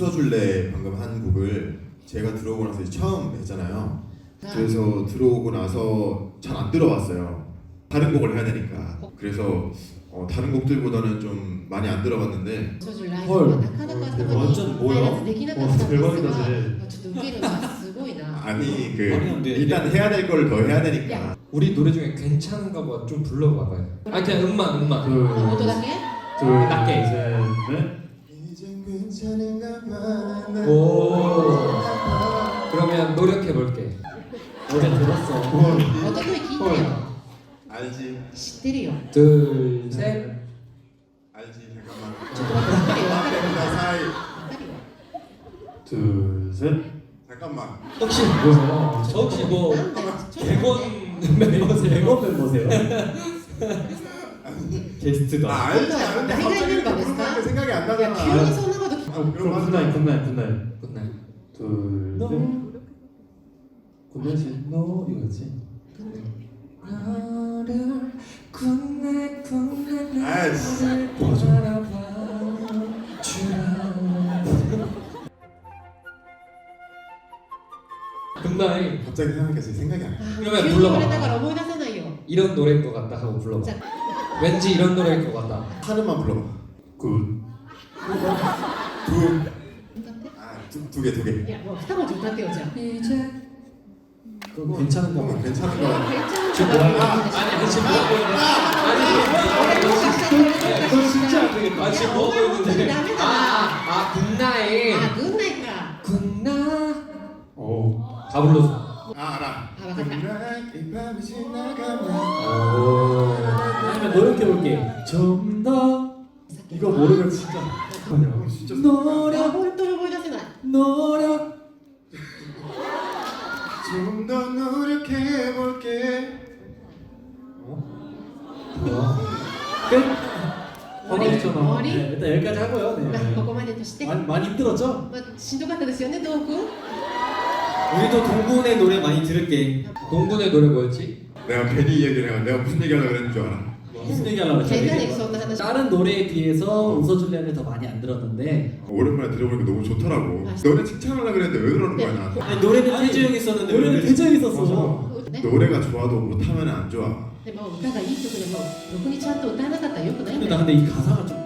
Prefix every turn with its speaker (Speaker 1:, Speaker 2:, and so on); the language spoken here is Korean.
Speaker 1: 웃어줄래 방금 한 곡을 제가 들어오고 나서 이제 처음 했잖아요. 그래서 들어오고 나서 잘 안 들어봤어요. 다른 곡을 해야 되니까. 그래서 다른 곡들보다는 좀 많이 안 들어봤는데.
Speaker 2: 헐.
Speaker 3: 완전 뭐야?
Speaker 2: 대박이다 쟤.
Speaker 1: 아니
Speaker 4: 일단
Speaker 1: 해야 될 걸 더 해야 되니까.
Speaker 4: 우리 노래 중에 괜찮은가 봐 좀 불러봐봐요. 아 그냥 음만.
Speaker 2: 낮게. 셋.
Speaker 1: 이젠 괜찮은가 봐.
Speaker 4: 오. 그러면 노력해 볼게.
Speaker 2: 어제 들었어.
Speaker 1: 알지.
Speaker 4: 둘, 셋.
Speaker 1: 알지. 잠깐만. 사이.
Speaker 2: 둘, 셋.
Speaker 1: 잠깐만.
Speaker 4: 혹시 뭐 대본 멤버세요?
Speaker 2: 대본 멤버세요? 게스트다.
Speaker 1: 알지. 갑자기 부르면 생각이 안 나잖아.
Speaker 2: 굿나잇.
Speaker 4: 굿나잇.
Speaker 2: 둘, 셋. 굿나잇이 너 이거지?
Speaker 4: 너를 굿나잇
Speaker 1: 아이씨.
Speaker 4: 굿나잇.
Speaker 1: 갑자기 생각했어요. 생각이 안 나.
Speaker 4: 그러면 불러봐. 이런 노래인 것 같다 하고 불러봐. 왠지 이런 노래일 것 같다.
Speaker 1: 하나만 불러봐.
Speaker 2: 굿.
Speaker 1: 두 개.
Speaker 4: 이제
Speaker 2: 그럼 괜찮은 거.
Speaker 1: 괜찮은 거.
Speaker 4: 아니 지금 뭐 하고 있는데?
Speaker 2: 이건 진짜 안 되겠다.
Speaker 4: 지금 뭐 하고 있는데? 굿나잇. 굿나. 다 불렀어.
Speaker 1: 알아. 이 밤이 지나가면.
Speaker 2: 아니면 노력해볼게. 좀 더. 이거 모르면 진짜.
Speaker 1: 진짜
Speaker 2: 노력.
Speaker 1: 좀 더 노력해볼게.
Speaker 2: 뭐야? 끝? 화나있잖아. 네, 일단 여기까지 하고요. 네. 많이 힘들었죠?
Speaker 5: しんどかったですよね、トーク。
Speaker 3: 우리도 동군의 노래 많이 들을게.
Speaker 4: 동군의 노래 뭐였지?
Speaker 1: 내가 괜히 이 얘기를 해가 내가 무슨 얘기하려고 그랬는 줄 알아.
Speaker 2: 무슨 얘기하려고
Speaker 5: 変な
Speaker 2: 했죠?
Speaker 5: ね、そんな話。
Speaker 3: 다른 노래에 비해서 웃어줄래를 더 많이 안 들었는데
Speaker 1: 오랜만에 들어보니까 너무 좋더라고. 너네 칭찬하려고 그랬는데 왜 그러는 거야 나한테?
Speaker 3: 아니, 노래는 태주 형이 썼는데
Speaker 2: 노래는
Speaker 3: 왜
Speaker 2: 대장이 있었어.
Speaker 5: ね、
Speaker 1: 노래가 좋아도 못하면 안 좋아.
Speaker 5: でも歌がいい曲でも、ろくにちゃんと歌えなかったらよくないん
Speaker 3: 근데
Speaker 5: だ
Speaker 3: 나
Speaker 5: よ。
Speaker 3: 근데 이 가사가 좀